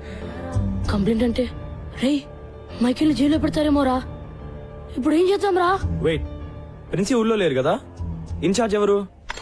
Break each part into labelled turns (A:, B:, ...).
A: Complaint అంటే రే మైకిల్ని జైల్లో పెడతారేమో రా. ఇప్పుడు ఏం చేద్దాం రా?
B: వెయిట్, ప్రిన్సి ఊళ్ళో లేరు కదా? ఇన్ఛార్జ్ ఎవరు?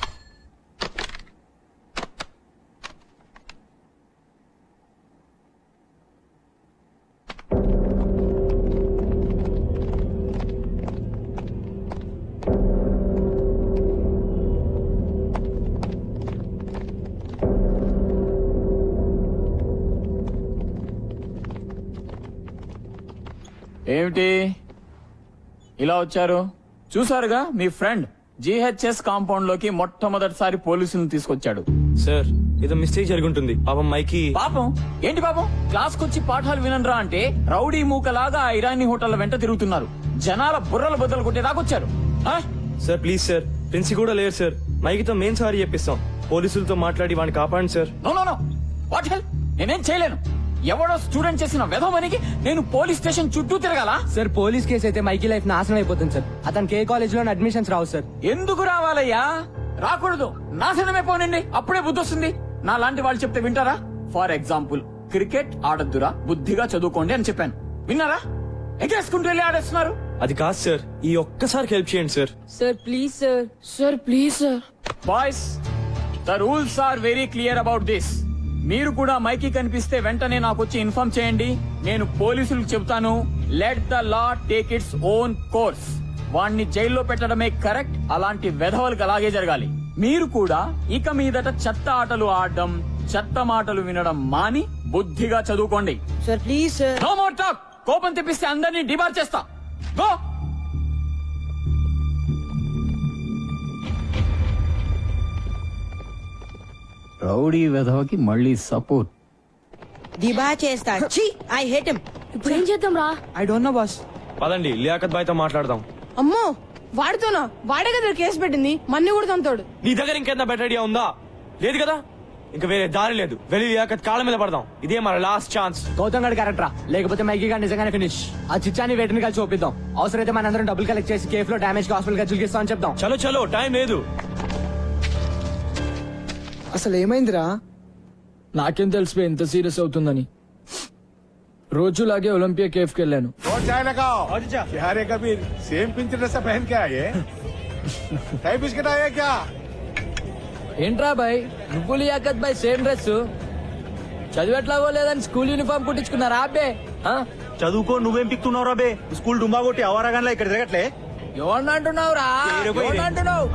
C: ఏమిటి ఇలా వచ్చారు? చూసారుగా మీ ఫ్రెండ్ జిహెచ్ఎస్ కాంపౌండ్ లోకి మొట్టమొదటిసారి పోలీసులను తీసుకొచ్చాడు.
B: సార్ ఏదో మిస్టేక్ జరుగుంటుంది. పాపం మైకి.
C: పాపం ఏంటి పాపం? క్లాస్ కొచ్చి పాఠాలు వినరా అంటే రౌడీ మూకలాగా ఐరానీ హోటల్ వెంట తిరుగుతున్నారు. జనాల బుర్రలు బద్దలు కొట్టేదాకొచ్చారు.
B: సార్ ప్లీజ్ సార్, ప్రిన్సి కూడా లేరు సార్. మైకితో మేం సారీ చెప్పిస్తాం. పోలీసులతో మాట్లాడి వాడిని కాపాడండి sir.
C: No no no, what hell? నేనేం చేయలేను. ఎవడో స్టూడెంట్ చేసిన వెధవనికి నేను పోలీస్ స్టేషన్ చుట్టూ తిరగాల?
D: సార్ పోలీస్ కేసు అయితే మైకి లైఫ్ నాశనం అయిపోతుంది సార్. అతనికి ఏ కాలేజ్ లో అడ్మిషన్స్ రావు సార్.
C: ఎందుకు రావాలయ్యా? రాకూడదు. నాశనమే పోనండి, అప్పుడే బుద్ధి వస్తుంది. నా లాంటి వాళ్ళు చెప్తే వింటారా? ఫర్ ఎగ్జాంపుల్, క్రికెట్ ఆడద్దురా, బుద్ధిగా చదువుకోండి అని చెప్పాను. విన్నారా? ఎగేసుకుంటూ వెళ్ళి ఆడేస్తున్నారు.
B: అది కాదు సార్, ఈ ఒక్కసారి హెల్ప్ చేయండి sir.
A: Sir please sir. Sir please sir.
C: Boys, the rules are very clear about this. మీరు కూడా మైకి కనిపిస్తే వెంటనే నాకు వచ్చి ఇన్ఫార్మ్ చేయండి. నేను పోలీసులకు చెబుతాను. Let the law take its own course. వాణ్ణి జైల్లో పెట్టడమే కరెక్ట్. అలాంటి వెధవలకు అలాగే జరగాలి. మీరు కూడా ఇక మీదట చెత్త ఆటలు ఆడడం, చెత్త మాటలు వినడం మాని బుద్ధిగా చదువుకోండి.
A: Sir please sir.
C: No more talk. కోపం తెప్పిస్తే అందరినీ డిబార్ చేస్తా. గో. రౌడీ వెధవకి మళ్ళీ సపోర్ట్.
E: దిబా చేస్తా. I hate him.
A: ఇప్పుడు ఏం చేద్దాం రా?
D: I don't know boss.
B: పదండి లియాఖత్ బాయ్ తో మాట్లాడదాం.
E: అమ్మో, వాడితోనా? వాడే కదా కేసు పెట్టింది. మన్ని కూడా తంతాడు.
B: నీ దగ్గర ఇంకేంత బెటర్ ఐడియా ఉందా? లేదు కదా? ఇంకా వేరే దారి లేదు. వెళ్ళి లియాఖత్ కాళ్ళ మీద పడదాం. ఇదే మన లాస్ట్ ఛాన్స్.
D: గౌతమ్ గడ్ క్యారెక్టరా, లేకపోతే మైకి గారు నిజంగానే ఫినిష్. ఆ చిచ్చాని వేటిని కలిసి చూపిద్దాం. అవసరమైతే మనందరం డబ్బులు కలెక్ట్ చేసి కేఫ్ లో డామేజ్ హాస్పిటల్ ఖర్చులు ఇస్తామని చెప్దాం.
B: చలో చలో, టైం లేదు.
D: అసలు ఏమైందిరా? నాకేం తెలిసిపోయి ఎంత సీరియస్ అవుతుందని. రోజులాగే ఒలింపియా కేఫ్ కి వెళ్ళాను.
F: क्या रे कबीर, सेम पिंच ड्रेस पहन के आए? टाई बिस्किट आया क्या?
D: ఏంట్రా బాయ్, నువ్వు లియాఖత్ బాయ్ సేమ్ డ్రెస్? చదివెట్లాగో లేదని స్కూల్ యూనిఫామ్ కుట్టించుకున్నారా అబ్బే?
G: చదువుకో, నువ్వేం పిక్తున్నావు రాబే? స్కూల్ డుంబా కొట్టి అవారాగాన్లా ఇక్కడ తిరగట్లే.
D: ఎవరిని అంటున్నావురా? ఎవరిని అంటున్నావు?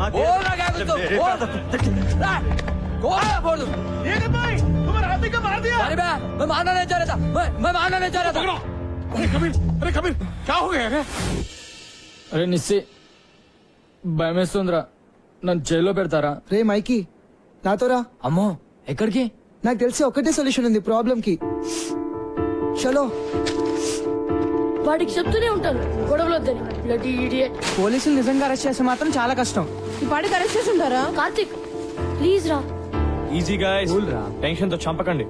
F: अरे कबीर क्या हो गया है?
D: అరే నిస్సి, భయమేస్తుందిరా. నన్ను జైల్లో పెడతారా?
H: రే మైకి, నాతోరా.
D: అమ్మో, ఎక్కడికి?
H: నాకు తెలిసి ఒకటే సొల్యూషన్ ఉంది ప్రాబ్లం కి. చలో.
A: వాడికి చెప్తూనే ఉంటాను గొడవలు వద్దని. Bloody idiot.
D: పోలీసులు నిజంగా అరెస్ట్ చేస్తే మాత్రం చాలా కష్టం.
E: ఈ పాటికి అరెస్ట్ చేసి ఉంటారా?
A: కార్తిక్ ప్లీజ్ రా.
B: ఈజీ గాయ్స్, టెన్షన్ తో చంపకండి.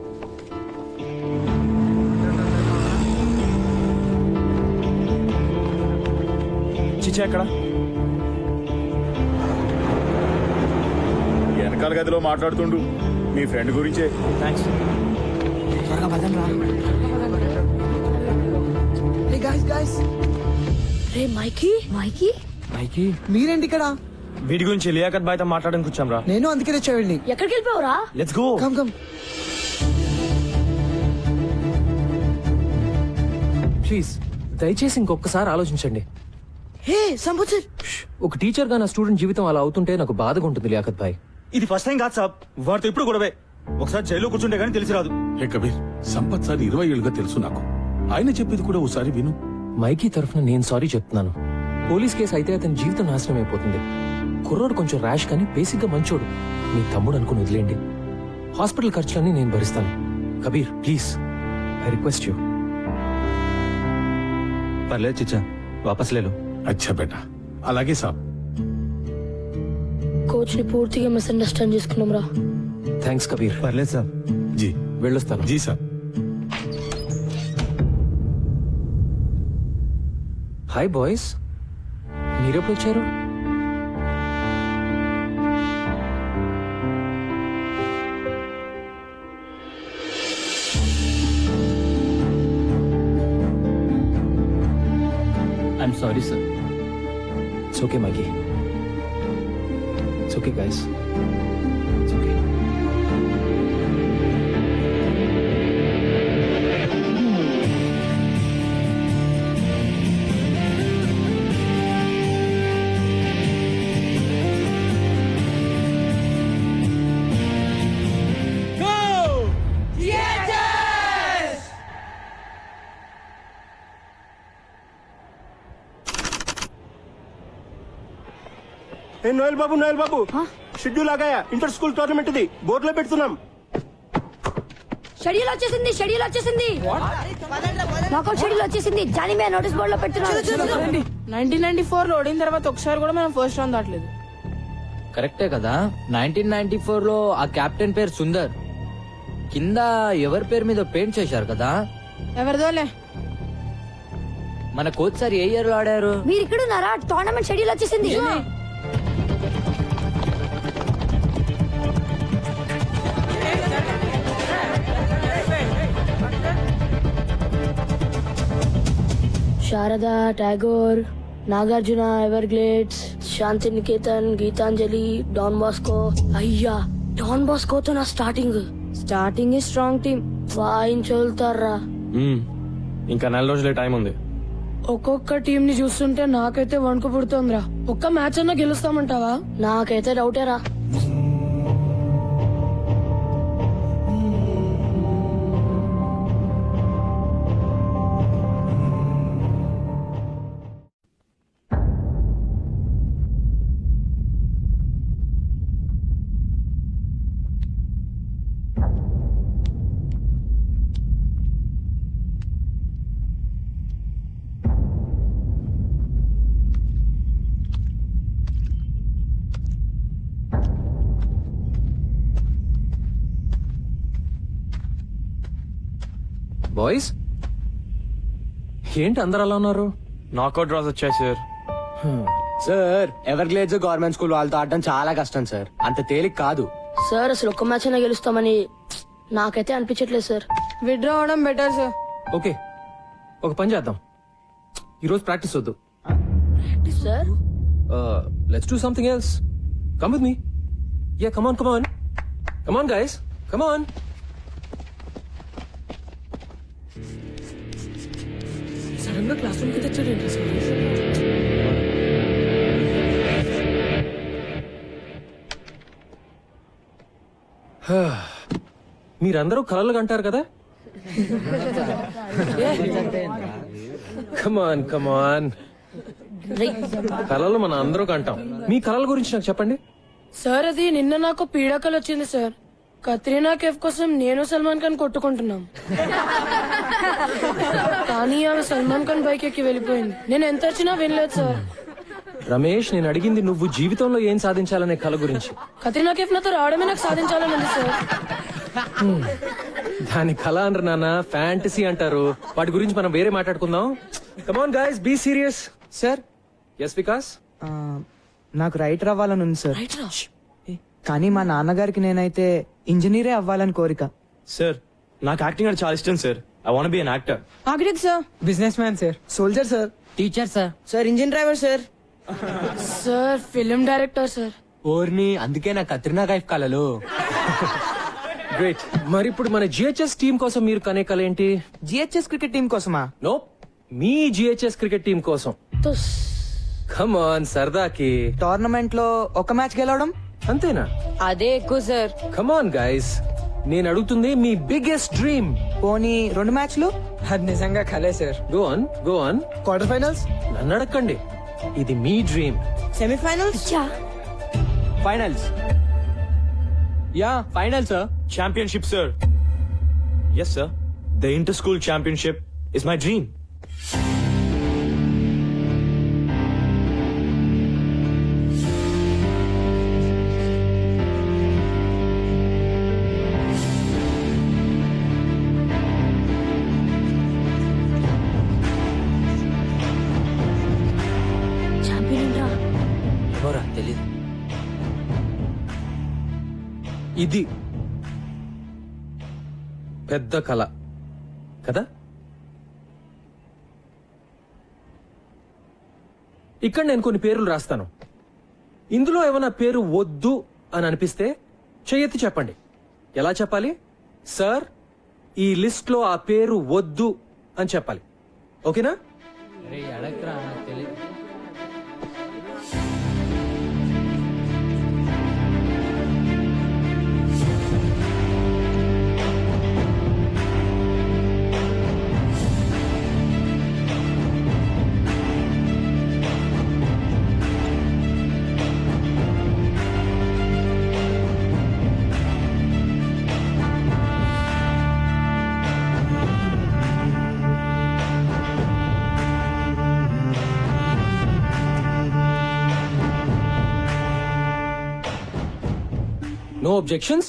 B: చిచ్చా ఎక్కడ?
F: వెనకాల గదిలో మాట్లాడుతుండు మీ ఫ్రెండ్ గురించే.
B: థ్యాంక్స్.
A: రే మైకి. మైకి
D: మైకి,
H: మీరేంటి ఇక్కడ?
B: వీడి గురించి లియాఖత్ బాయ్ తో మాట్లాడడానికి వచ్చాం రా.
H: నేను అందుకే తెచ్చేవాడిని.
A: ఎక్కడికి వెళ్ళిపోవరా?
B: Let's go.
H: Come come.
I: Please దయచేసి ఇంకొకసారి ఆలోచించండి.
A: హే సంబుత్,
I: ఒక టీచర్ గా నా స్టూడెంట్ జీవితం అలా అవుతుంటే నాకు బాధగా ఉంటుంది లియాఖత్ భాయ్.
G: ఇది ఫస్ట్ టైం కాదు సాబ్, వాడితో ఇప్పుడు గొడవే. ఒకసారి జైల్లో కూర్చుంటే గానీ తెలిసి రాదు.
F: హే కబీర్, సంపత్ సార్ 20 ఏళ్ళుగా తెలుసు నాకు. ఆయన చెప్పేది కూడా ఒకసారి విను.
I: మైకీ తరఫున నేను సారీ చెప్తున్నాను. పోలీస్ కేసు అయితే అతని జీవితం నాశనం అయిపోతుంది. కుర్రోడు కొంచెం ర్యాష్ కానీ బేసిక్ గా మంచోడు. మీ తమ్ముడు అనుకుని వదిలేండి. హాస్పిటల్ ఖర్చులన్నీ నేను భరిస్తాను. Kabir please, I request you.
G: పర్లేదు చిచ్చా, వాపస్ లేలో.
F: అచ్చా బేటా, అలాగే సాబ్.
A: కోచ్ ని పూర్తిగా మిస్అండర్స్టాండ్ చేసుకున్నాం రా.
I: థ్యాంక్స్ కబీర్.
G: పర్లేదు సాబ్.
F: జీ
I: వెళ్ళొస్తాను.
F: జీ సాబ్.
I: హాయ్ బాయ్స్, మీరెప్పుడు వచ్చారు?
C: I'm sorry sir.
I: It's okay Mikey, it's okay guys, it's okay.
G: ఏ నోయల్ బాబు షెడ్యూల్ ఆగాయా? ఇంటర్ స్కూల్ టోర్నమెంట్ ఇది బోర్డులో పెడుతున్నాం.
A: షెడ్యూల్ వచ్చేసింది, షెడ్యూల్ వచ్చేసింది, నాకౌట్ షెడ్యూల్ వచ్చేసింది. జానీ మే నోటీస్ బోర్డు లో పెట్టున్నాను.
E: 1994 లో ఓడిన తర్వాత ఒకసారి కూడా మనం ఫస్ట్ రౌండ్ దాటలేదు.
D: కరెక్టే కదా. 1994 లో ఆ కెప్టెన్ పేరు సుందర్. కింద ఎవరి పేరు మీద పెయింట్ చేశారు కదా.
E: ఎవరిదోలే.
D: మన కోచ్ సార్ ఏ ఇయర్ లో ఆడారు?
A: మీరు ఇక్కడ ఉన్నారా? టోర్నమెంట్ షెడ్యూల్ వచ్చేసింది. Sharada, Tagore, Nagarjuna, Everglades, Shanti Niketan, Gitanjali, Don Bosco. అయ్యా, డాన్ బాస్కోతో నా స్టార్టింగ్ స్ట్రాంగ్ టీమ్ వాయించోల్తారా.
B: ఇంకా 4 రోజులే టైం ఉంది.
A: ఒక్కొక్క టీం ని చూస్తుంటే నాకైతే వణుకు పుడుతోందిరా. ఒక్క మ్యాచ్ అన్నా గెలుస్తామంటావా? నాకైతే డౌటేరా.
I: బాయ్స్, ఏంటి అందరు అలా ఉన్నారు?
B: నాకౌట్ డ్రాస్ వచ్చాయి sir.
J: Sir Everglades government school వాళ్ళతో ఆడడం చాలా కష్టం సార్. అంత తేలిక కాదు
A: సార్. అసలు ఒక్క మ్యాచ్ అయినా గెలుస్తామని నాకైతే అనిపించట్లేదు సార్.
E: విత్డ్రా అవడం బెటర్ సార్.
I: ఓకే, ఒక పని చేద్దాం. ఈరోజు ప్రాక్టీస్ వద్దు.
A: Sir
I: let's do something else. Come with me. Yeah, come on, come on, come on guys, come on. Sudden గా క్లాస్ రూమ్ కి తెచ్చాడు ఏంటి సార్? మీరందరూ కలలు కంటారు కదా. కమాన్ కమాన్, కలలు మన అందరూ కంటాం. మీ కలల గురించి నాకు చెప్పండి.
A: సార్, అది నిన్న నాకు పీడాకలు వచ్చింది సార్. కత్రీనా కేఫ్ కోసం నేను సల్మాన్ ఖాన్ కొట్టుకుంటున్నాం. కానీ ఆమె సల్మాన్ ఖాన్ బైక్ ఎక్కి వెళ్ళిపోయింది. నేను ఎంత వచ్చినా వినలేదు సార్.
I: రమేష్, నేను అడిగింది నువ్వు జీవితంలో ఏం సాధించాలనే కల గురించి.
A: కత్రీనా కేఫ్ నాతో రావడమే నాకు సాధించాలని ఉంది సార్.
I: దాని కళ అనరు నాన్న, ఫ్యాంటసీ అంటారు. వాటి గురించి మనం వేరే మాట్లాడుకుందాం. Come on guys, be serious.
H: Sir
I: yes Vikas.
H: నాకు రైటర్ అవ్వాలని ఉంది సార్. కానీ మా నాన్నగారికి నేనైతే ఇంజనీరే అవ్వాలని కోరిక.
B: సార్, నాకు యాక్టింగ్ అంటే చాలా ఇష్టం sir. I want be an actor.
E: Architect sir.
H: Businessman sir. Soldier sir.
D: Teacher sir.
H: Sir engine driver sir.
A: Sir film director sir.
J: ఓర్ని, అందుకే నా కత్రినా కైఫ్ కలలు.
I: గ్రేట్. మరి ఇప్పుడు మన జిహెచ్ఎస్ టీం కోసం మీరు కనే కల ఏంటి?
H: జిహెచ్ఎస్ క్రికెట్ టీం కోసమా?
I: నో, మీ జిహెచ్ఎస్ క్రికెట్ టీం కోసం. కమ్ ఆన్, సరదాకి.
H: టోర్నమెంట్ లో ఒక మ్యాచ్ గెలవడం
I: అంతేనా?
E: అదే ఎక్కువ సార్.
I: కమ్ ఆన్ గైస్, నేను అడుగుతుంది మీ బిగ్గెస్ట్ డ్రీమ్.
H: పోనీ 2 మ్యాచ్లు? అది నిజంగా కలే sir.
I: Go on, go on.
H: Quarter finals?
I: నన్ను అడగండి, ఇది మీ dream.
H: Semifinals?
J: Finals. Yeah, final sir.
B: Championship, sir. Yes, sir. The inter-school championship is my dream.
A: Champion రా.
D: ఎవరా తెలీదు.
I: ఇది పెద్ద కళ కదా. ఇక్కడ నేను కొన్ని పేర్లు రాస్తాను. ఇందులో ఏమైనా పేరు వద్దు అని అనిపిస్తే చెయ్యెత్తి చెప్పండి. ఎలా చెప్పాలి? సార్, ఈ లిస్ట్ లో ఆ పేరు వద్దు అని చెప్పాలి. ఓకేనా?
D: అరే అడగరా, నాకు తెలియదు.
I: No objections?